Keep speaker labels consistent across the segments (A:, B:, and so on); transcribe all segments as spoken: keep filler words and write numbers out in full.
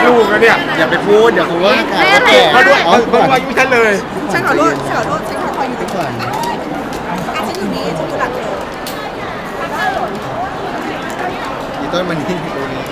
A: ลูกแล้วเนี่ย
B: อย่าไปพูดเดี๋ยวเขาว่าข่าว
C: แม่อะไร
B: แก่
A: เขาด้วย
B: อ๋อ
A: เขาด้วยอายุฉันเลย
C: ฉันขอโทษฉันขอโทษฉันขอคอยอยู่
B: ก่อน
C: อ่ะฉันอยู่นี่ฉันอยู่หลังเธอ
B: อีต้นมันนี่ตรงนี้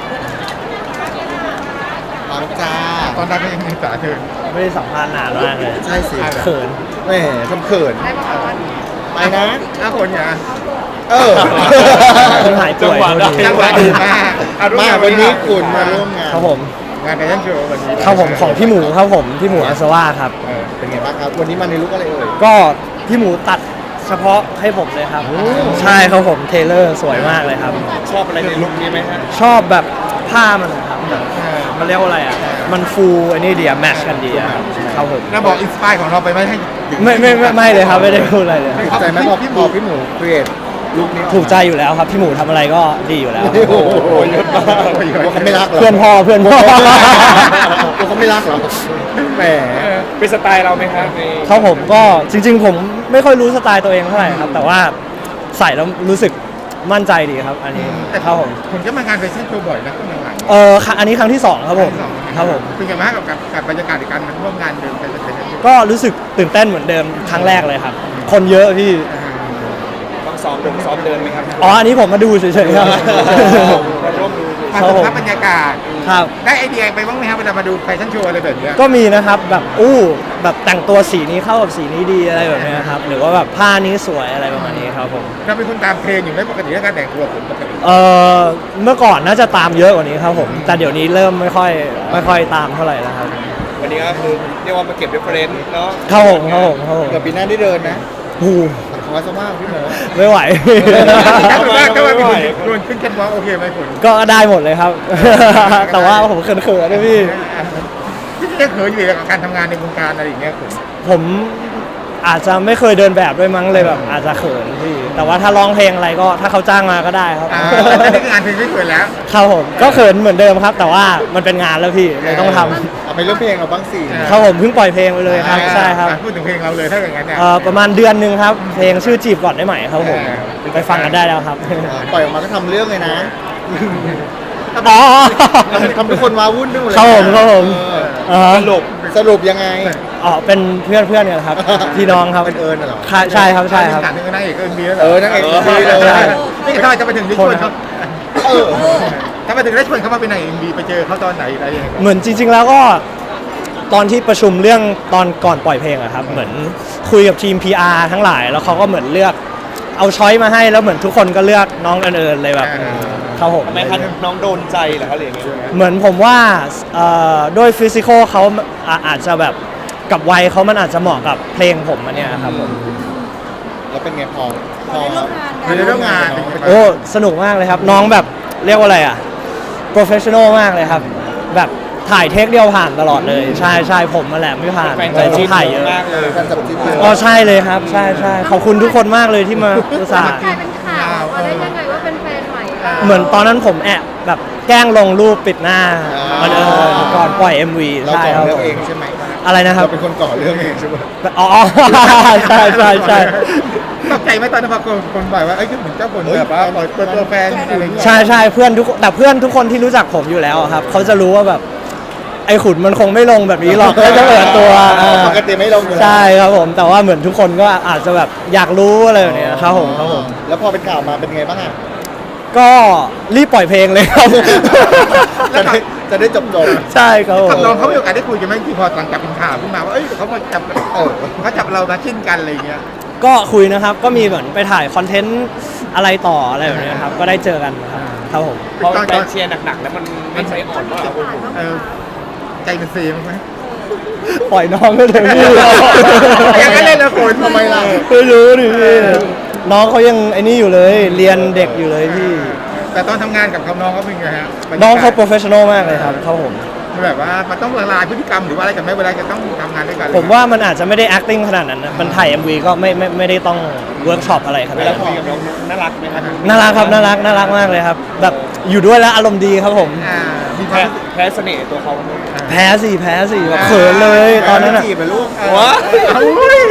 B: ปังจ้า
A: ตอนนั้นก็ยังมีสาเธอ
D: ไม่ได้สัมภาษณ์นานมากเลย
B: ใช่สิ
D: เขิน
B: แหมทำเขิน
C: ได้ปะคะ
B: ไปนะ
A: ห้าคนเนี่ย
B: เออ
D: คนหายป่วย
A: จังหวะดีมากเอาร่วมาน
B: มางวันนี้คุณมาร่วมงาน
D: ครับผม
A: งานแฟชั่นโชว์วันนี้
D: ครับผมของพี่หมูครับผมพี่หมูอาสวาครับ
A: เออ
B: เป็นไงบ้างครับ วันนี้มาในลุคอะไรเอ่ย
D: ก็พี่หมูตัดเฉพาะให้ผมเลยครับ ใช่ครับผมเทเลอร์สวยมากเลยครับ
B: ชอบอะไรในลุคนี้ไหมฮะ
D: ชอบแบบผ้ามันนะครับแบบมันเรียกว่าอะไรอ่ะมันฟูอันนี้ดีอะแมทชกันดีอะครับผม
A: แล้วบอกอินสปายของเราไปไหมให้
D: ไม่ไม่ไม่ไม่เลยครับไม่ได้พูดอะไรเลย
B: ถูกใจไหมพอพี่หมูพี่หมูครีเอทลุคนี้ออมา
D: ถูกใจอยู่แล้วครับพี่หมูทำอะไรก็ดีอยู่แล้ว
B: โอ้โหเยอะมากเขาไม่รักเหรอ
D: เพื่อนพ่อเพื่อนพ่อ
B: เขาไม่รักเหรอแหม
A: เป็นสไตล์เราไหมครับใน
D: ครับผมก็จริง ๆ ผมไม่ค่อยรู้สไตล์ตัวเองเท่าไหร่ครับ แต่ว่าใส่แล้วรู้สึกมั่นใจดีครับ อันนี้
A: แต่
D: ครับผม
A: ผมก็มางานแฟชั่นโชว์บ่อยนะช่วงหลัง
D: เออค่ะอันนี้ครั้งที่สองครับผมครับผม
A: เป็นไงบ้างกับกับกับบรรยากาศในการมาร่วมงานเดิมแฟชั่นโชว์
D: ก็รู้สึกตื่นเต้นเหมือนเดิมครั้งแรกเลยครับ คนเยอะพี่
A: ต้องซ้อมเดินซ้อมเดินไหมครับ
D: อ๋ออันนี้ผมมาดูเฉยๆครับ
A: มาร่วมดูมา
D: ครับ
A: สั
D: ผม ม
A: ผัสบรรยากาศ
D: ครับ
A: ได้ไอเดียไปบ้างไหมครับเวลามาดูแฟชั่นโชว์อะไรแบบเนี้ย
D: ก็มีนะครับแบบอู้แบบแต่งตัวสีนี้เข้ากับสีนี้ดีอะไรแบบเนี้ยครับหรือว่าแบบผ้านี้สวยอะไรประมาณนี้ครับผม
A: เราเป็นคนตามเทรนด์อยู่ไหมปกติแล้วการแต่งตัวผมปกติ
D: เออเมื่อก่อนน่าจะตามเยอะกว่านี้ครับผมแต่เดี๋ยวนี้เริ่มไม่ค่อยไม่ค่อยตามเท่าไหร่แล้วครับ
A: วันนี้ก็คือเรียกว่ามาเก็บเรฟเฟรนซ์เนาะ
D: ครับผมครับผมครับผม
B: เกือบปีหน้าได้เดินนะ
D: โอ้โห
B: ขอสมากพี่หมู
D: ไม่ไหว
A: ถ้าเกิดว่าถ้าว่ามีคนโดนขึ้นแคนวอล์กโอเคไหมคุณ
D: ก็ได้หมดเลยครับ แต่ว่าผมเขินๆนะพี่
A: ที่จะเขินอยู่กับการทำงานในวงการอะไรอย่างเงี้ยคุณ
D: ผมอาจจะไม่เคยเดินแบบด้วยมั้งเลยแบบอาจจะเขินพี่ แต่ว่าถ้าร้องเพลงอะไรก็ถ้าเขาจ้างมาก็ได้ครับ
A: อ่าแต่นี่คืองานเพลงไม่เขินแล้ว
D: ครับผมก็เขินเหมือนเดิมครับ แต่ว่ามันเป็นงานแล้วพี่เลยต้องทำ
B: เอาไปเรื่องเพลงเราบ้างสิ
D: ครับผมเพิ่งปล่อยเพลงไปเลยครับใช่ครับ
A: อ่าพูดถึงเพลงเราเลยถ้าอย่างนั้นเนี่ย
D: เอ่อประมาณเดือนหนึ่งครับ เพลงชื่อจีบก่อนได้ไหมครับผมไปฟังกันได้แล้วครับ
B: ปล่อยออกมาก็ทำเรื่องเลยนะ
D: อ๋อ
B: ทำทุกคนว้าวุ่นไปหมดเลย
D: ครับผมครับผม
B: เออ
D: อ่า
B: สรุปสรุปยังไง
D: อ๋อเป็นเพื่อนเพื่อนกันครับ พี่น้องครับ
B: เป็นเอิญน่ะเหรอ
D: ค่ะใช่ครับใช่ครับ
A: ถามถึงนางเอกก็มีแล้ว
B: เออนางเอกก็มีเลย
A: นี่ทำไมจะไปถึงได้ชวนเขา
B: เออ
A: ทำไมถึงได้ชวนเขามาเป็นนางเอ็มบีไปเจอเขาตอนไหนอะไรยังไง
D: เหมือนจริง ๆ แล้วก็ตอนที่ประชุมเรื่องตอนก่อนปล่อยเพลงอะครับเหมือนคุยกับทีม พี อาร์ ทั้งหลาย แล้วเขาก็เหมือนเลือกเอาช้อยมาให้แล้วเหมือนทุกคนก็เลือกน้องเอิญๆเลยแบบเขาผม
E: ทำไมคะน้องโดนใจเหรอคะหรือยังไง
D: เหมือนผมว่าเอ่อด้วยฟิสิกอลเขาอ่ะอาจจะแบบกับวัยเขามันอาจจะเหมาะกับเพลงผมอันเนี้ยครับผม
B: แล้วเป็นไงพอพอ
A: ในเรื่องงาน
D: โอ้สนุกมากเลยครับ น้องแบบเรียกว่าอะไรอ่ะโปรเฟชชั่นอลมากเลยครับ แบบถ่ายเทคเดียวผ่านตลอดเลย ใช่ใช่ผมมาแหละไม่ผ่าน
E: แฟน
D: แต่
E: จะ
D: ต้อ
E: ชิ
D: ง
E: ด
D: ถ่ายเยอะ
E: มากเลย
B: การจับจิ้นเลย
D: อ๋อใช่เลยครับ ใช่ใช่ขอบคุณทุกคนมากเลยที่มาอุตส่าห์
C: กลายเป็นข่าวว่าได้ยังไงว่าเป็นแฟนใหม่เรา
D: เหมือนตอนนั้นผมแอบแบบแกล้งลงรูปปิดหน้ามันเออก่อนปล่อย เอ็ม วี
B: เรา
D: ใช่
B: ก่อ
D: ครับ
B: เรื่องเองใช่ไหม
D: อะไรนะครับ
B: เราเป็นคนก่อเรื่องเองใช่ไหม
D: อ๋อ ใช่ใช่ใช่
A: ตกใจไหมตอนนั้นพอคนคนบ่อยว่าเอ้ยเหมือนเจ้าคนแบบว่าปล่อยเปิดตัวแฟนอะไรอย่างเงี้ย
D: ใช่ใช่เพื่อนทุกแต่เพื่อนทุกคนที่รู้จักผมอยู่แล้วอะครับเขาจะรู้ว่าแบบไอ้ขุนมันคงไม่ลงแบบนี้หรอกก็จะเปิดตัวอ่า
B: ปกติไม่ลงอยู่แล้ว
D: ใช่ครับผมแต่ว่าเหมือนทุกคนก็อาจจะแบบอยากรู้อะไรแบบเนี้ยครับผมครับผม
B: แล้วพอเป็นข่าวมาเป็นไงบ้างอ่ะ
D: ก็รีบปล่อยเพลงเลยครับ
B: จะได้จะได้จบจบ
D: ใช่ครับผม
A: กับน้องเขามีโอกาสได้คุยกันไหมที่พอหลังจากเป็นข่าวขึ้นมาว่าเอ้ยเขามาจับ
B: เออ
A: เขาจับเรามาชิ้นกันอะไรอย่างเงี้ย
D: ก็คุยนะครับก็มีเหมือนไปถ่ายคอนเทนต์อะไรต่ออะไรแบบเนี้ยครับก็ได้เจอกันครับครับผม
E: เพราะแฟนเชียร์หนักๆ แล้วมันมันใจอ่อนว่า
A: เออใจมันเซมั้ยไหม
D: ปล่อยน้องก็เถอะพี่
A: อย่างนั้นเลยเหรอคุณ
B: ทำไมล่ะ
D: ไม่รู้ดิพี่น้องเขายังไอ้นี่อยู่เลยเรียนเด็กอยู่เลยพี่
A: แต่ตอนทำงานกับเขาน้องเขาเป็นไงฮะ
D: น้องเขาโปรเฟชชั่นอลมากเลยครับครับผม
A: แบบว่ามันต้องละลายพฤติกรรมหรือว่าอะไรกันไหมเวลาจะต้องทำงานด้วยกัน
D: ผมว่ามันอาจจะไม่ได้ acting ขนาดนั้นนะมันถ่าย เอ็ม วี ก็ไม่ไม่ไม่ได้ต้องเวิร์กช็อปอะไรขนาด
E: เวลา
D: นั้น
E: คุยกับน้องน่ารักไหมครับ
D: น่ารักครับน่ารักน่ารักมากเลยครับแบบอยู่ด้วยแล้วอารมณ์ดีครับผม
A: อ่ามีค
E: แพ้
A: วาม
E: แพ้เสน่ห์ตัวเขาไหม
D: แพ้สิแพ้สิแบบเขินเลยตอนนั้นอ่ะ
B: จีบไปลูก
E: ว้า
A: อุ้ย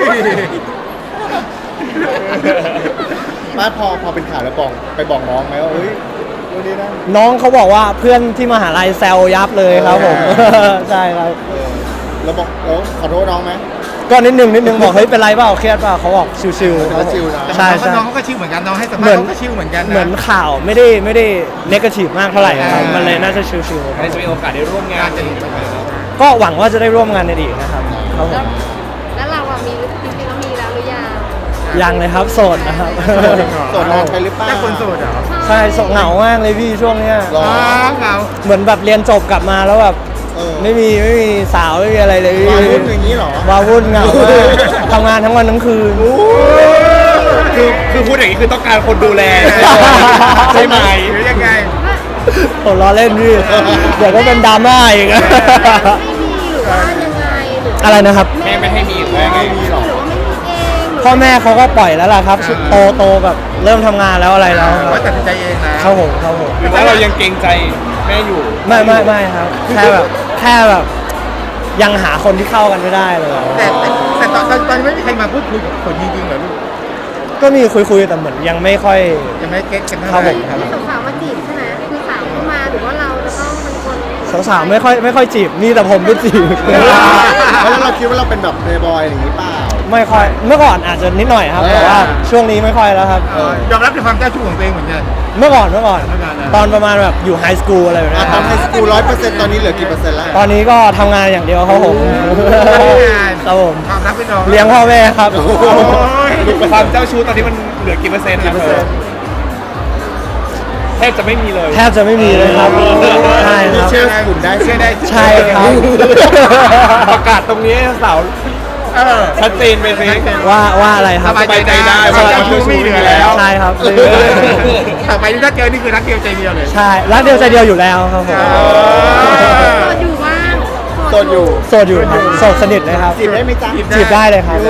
B: มาพอพอเป็นข่าวแล้วบอกไปบอกน้องไหมว่าเฮ้ยดูดีนะ
D: น้องเขาบอกว่าเพื่อนที่มหาลัยแซวยับเลยครับผม ใช่ครับ
B: เออเราบอกเราขอโทษน้องไหม
D: ก็นิดนึงนิดนึงบอกเฮ้ยเป็นไรเปล่าเครียดเปล่าเขาบอกชิวๆครับผม
B: ชิวๆนะ
D: ใช่
A: แต่
D: ใช่
A: น้องเขาก็ชิวเหมือนกันน้องให้สัมภา
D: เหมื
A: ษ
D: อน
A: ณ์เขาก็ชิวเหมือนกันนะ
D: เหมือนข่าวไม่ได้ไม่ได้เนกาทีฟมากเท่าไหร่ครับ
A: อ่ามั
D: มันเลยน่าจะชิวๆค
E: ใคร
D: รับ
E: จะมีโอกาสได้ร่วมงานกันอีกไหมครับ
D: ก็หวังว่าจะได้ร่วมงานในอดีตนะครับครับผ
C: แล้ว
D: ม
C: แล้วเราอะมีจริงๆแล้วมีแล้วหรือยัง
D: ยังเลยครับโสดนะครับ
B: โสดนานไปหรือเปล่า
A: เจ้าคนโสดเหรอ
D: ใช่โสดเหงามากเลยพี่ช่วงเนี้ย
B: หรอ
A: อ๋อเหงา
D: เหมือนแบบเรียนจบกลับมาแล้วแบบ
B: เออ
D: ไม่มีไม่มีสาวไม่มีอะไรเลยพี่
B: มาพูดอย่างนี้เหรอ
D: วาวุ่นเหงามากทำงานทั้งวันทั้งคืน
E: คือคือพูดอย่างนี้คือต้องการคนดูแลใช่ไหม
A: หรือยังไง
D: ผมล้อเล่นพี่เดี๋ยวก็เป็นดราม่าอีก
C: ไม่มีหรือว่ายังไงหรือ
D: อะไรนะครับ
E: แม่ไม่ให้มีหรือว่าไง
B: ไม่มีหรอก
C: หรือว่าไม่มีเองหรือ
D: พ่อแม่เขาก็ปล่อยแล้วล่ะครับ
A: อ่า
D: โตโตแบบเริ่มทำงานแล้วอะไรแล้วค
A: ว่า
D: รับ
A: ตัดสินใจเองนะ
D: ครับผมครับผม
E: หรือว่าเรายังเกรงใจแม่อยู่
D: ไม่ไม่ไม่ครับ แค่แบบแค่แบบยังหาคนที่เข้ากันไม่ได้เลย
A: แต่แต่แต่ตอนตอนตอนนี้ไม่มีใครมาพูดคุยกับคนจริงๆเหรอลูก
D: ก็มีคุยคุยๆแต่เหมือนยังไม่ค่อย
A: ยังไม่เก็ตกันเท่า
D: ครับ
A: ไห
D: ผ
A: ร่
D: ม
A: ครับ
C: มีสาวๆมาจีบใช่ไหมคือสาวเข้ามาหรือว่าเราจะต้องเป็นคน
D: สาวๆไม่ค่อยไม่ค่อยจีบมีแต่ผมไม่จีบ
B: แล้วเราคิดว่าเราเป็นแบบเพลย์บอยอย่างนี้เปล่า
D: ไม่ค่อยเมื่อก่อนอาจจะนิดหน่อยครับ แต่ว่าช่วงนี้ไม่ค่อยแล้วครับ
A: เออยอมรับในความเจ้าชู้ของตัวเองเหมือนกัน
D: เมื่อก่อนเมื่อก่อน
A: เมื่อก่อนนะ
D: ตอนประมาณแบบอยู่ไฮสคูลอะไรแบบ
B: อ่ะ
D: เนี้ย
B: ตอนไฮสคูลร้อยเปอร์เซ็นต์ตอนนี้เหลือกี่เปอร์เซ็นต์แล้ว
D: ตอนนี้ก็ทำงานอย่างเดียวครับผมครับผม
A: ความรักเป็นรอง
D: เลี้ยงพ่อแม่ครับ
A: โอ้ย
E: ความเจ้าชู้ตอนนี้มันเหลือกี่เปอร์เซ็นต์นะเธอแทบจะไม่มีเลย
D: แทบจะไม่มีเลยครับใช่ครับ
B: เชื่อคุณได้
A: เชื่อได้
D: ใช่ครับ
E: ประกาศตรงนี้ให้สาว
A: เออ
E: ชัดเจนไปสิ
D: ว่าว่าอะไรค
A: ส
D: รับ
A: บายใจได้
E: ส
A: ว่า
E: บายใจได้
A: เจ้าชู้ไม่เหลือแล้ว
D: ใช่ครับ
A: ต่อไปนี่ถ้าเจอนี่คือรักเดียวใจเดียวเลย
D: ใช่รักเดียวใจเดียวอยู่แล้วครับผม
C: โสดอยู่บ้าง
B: โสดอยู่
D: โสดอยู่ครับโสดสนิทเลยครับ
B: จีบได้ไหมจ๊ะ
D: จีบได้เลยครับ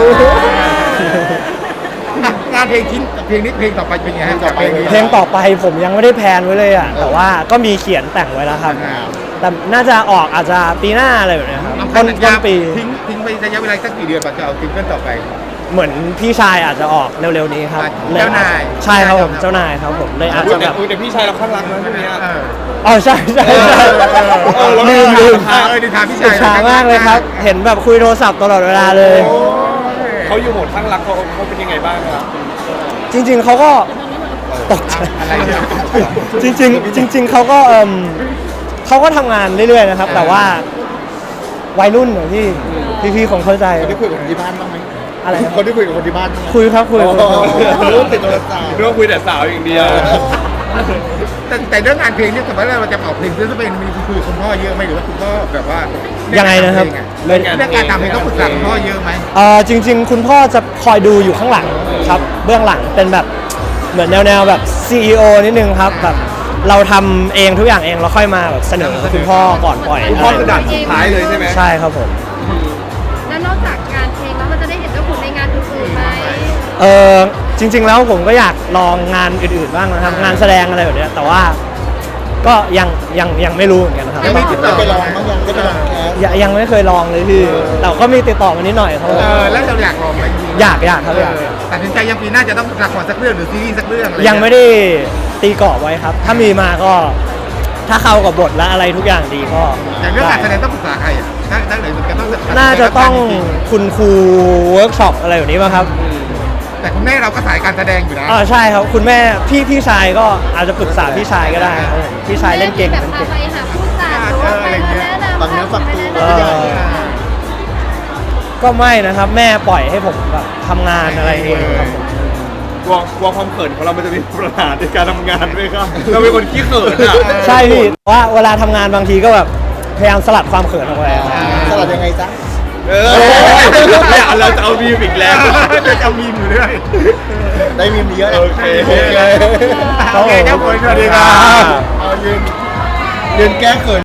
A: งานเพลงทิ้งเพลงนี้เพลงต่อไปเป็นไงฮะกับเพลงนี้
D: เพลงต่อไปผมยังไม่ได้แพลนไว้เลยอ่ะแต่ว่าก็มีเขียนแต่งไว้แล้วครับ แต่น่าจะออกอาจจะปีหน้าอะไรแบบเนี้ยครับ
A: ต้อง
D: ต้น
A: สัญ
D: ต้
A: ญาน
D: ปี
A: ทิ้งทิ้งไประยะเวลาสักกี่เดือนก่อนจะเอาซิงเกิลต่อไป
D: เหมือนพี่ชายอาจจะออกเร็วๆนี้ครับ
A: อ่ะเจ้านาย
D: ใช่ครับผมเจ้านายครับผมเลยอาจ
E: พูด
D: จะ
E: แต่
D: แบบ
E: พูดแต่พี่ชายเราข้างรักนะช่วงนี้
A: เออ
D: อ๋อใช่ใช่ใช่
A: เออ
D: ลืมลืม
A: เออเออดีถามพี่
D: อิ
A: ชาย
D: จฉามากเลยครับ เห็นแบบคุยโทรศัพท์ตลอดเวลาเลย
E: เขาอยู่โหมดข้างรักเขาเขาเป็นยังไงบ้างครับ
D: จริง ๆเขาก็ตกใจ
A: อะไรเนี่ย
D: จริงๆจริง ๆเขาก็เอมเขาก็ทำงานเรื่อยๆนะครับ แต่ว่าวัยรุ่นเหรอพี่พี่ๆคงเข้าใจ
B: คนที่คุยกับคนที่บ้านบ้างไหม
D: อะไรนะ
B: คนที่คุยกับคนที่บ้านบ้างไหม
D: คุยครับคุย
B: โอ้
D: คุยครับ
B: โหรู้ติดโทรศัพท์
E: เรื่องคุยแต่สาวอย่างเดียว
A: แต่แต่เรื่องงานเพลงเนี่ยสมมติว่าเราจะออกเพลงซึ่งเป็นมีคุยกับคุณพ่อเยอะไหมหรือว่าคุณพ่อแบบว่า
D: ยั
A: ยัง
D: ไงนะครับ
A: เรื่องการทำเพลงต้องปรึกษาคุณพ่อเยอะไหม
D: เอ่อจริง ๆ คุณพ่อจะคอยดูอยู่ข้างหลังครับ เบื้องหลังเป็นแบบเหมือนแนวๆแบบ ซี อี โอ นิดนึงครับแบบเราทำเองทุกอย่างเองเราค่อยมาแบบเสนอคุณพ่อก่อนปล่อย
E: คุณพ่อคือด่านสุดท้ายเลยใช่ไหม
D: ใช่ครับผม
C: แล้วนอกจากงานเพลงแล้วมันจะได้เห็นเจ้าขุนในงานอื่นๆไหม
D: เออจริง ๆ แล้วผมก็อยากลองงานอื่นๆบ้างนะครับงานแสดงอะไรแบบเนี้ยแต่ว่าก็ยังยังยังไม่รู้เหมือนกันนะครับ
A: ยังไม่ติดต่
B: ได้ไปลองบ้างยังได้ไปลองแคส
D: ยังยังไม่เคยลองเลยพี่แต่ก็มีติดต่อมานิดหน่อยครับผม
A: เออแล้วเราอยากลองไหมจริงๆ
D: อยากอยากครับอยาก
A: เออตัดสินใจยังปีหน้าจะต้องละครสักเรื่องหรือซีรีส์สักเรื่องอะร
D: ยังไม่ได้ตีกรอบไว้ครับ ถ้ามีมาก็ถ้าเข้ากับบทและอะไรทุกอย่างดีก็
A: อย่างเรื่องการแสดงต้องปรึกษาใครอ่ะถ้าถ้าเลยมันจะต้อง
D: น่าจะต้องคุณครูเวิร์กช็อปอะไรแบบนี้ป่ะครับ
A: แต่คุณแม่เราก็สายการแสดงอยู่นะ
D: อ๋อใช่ครับคุณแม่พี่พี่ชายก็อาจจะปรึกษาพี่ชายก็ได้ครับผมพี่ชายเล่นเก่ง
C: แบบ
D: เล่น
C: พา
D: เก่ง
C: ไปหาผู้จัดหรือว่าไปมาแนะนำ
B: ฟังเนื้อฟังตัว
C: ไปแนะนำ
D: ก็ไม่นะครับ แม่ปล่อยให้ผมแบบทำงานอะไรเองครับผม
E: กลัวกลัวความเขินของเรามันจะมีปัญหาในการทำงานไหมครับ เราเป็นคนขี้เขินอ่ะ
D: ใช่พี่ว่าเวลาทำงานบางทีก็แบบพยายามสลัดความเขินออกไปครับ
B: สลัดยังไงจ๊ะ
E: เออเนี่ยเราจะเอาวีมอีกแล้ว
A: จะเอามีมอยู่เรื่อย
B: ได้มีมีเยอะนะ
E: โอเค
B: โอเค
A: โอเคเจ้าคนสวัสดีครับ
B: เอายืนยืนแก้เขิน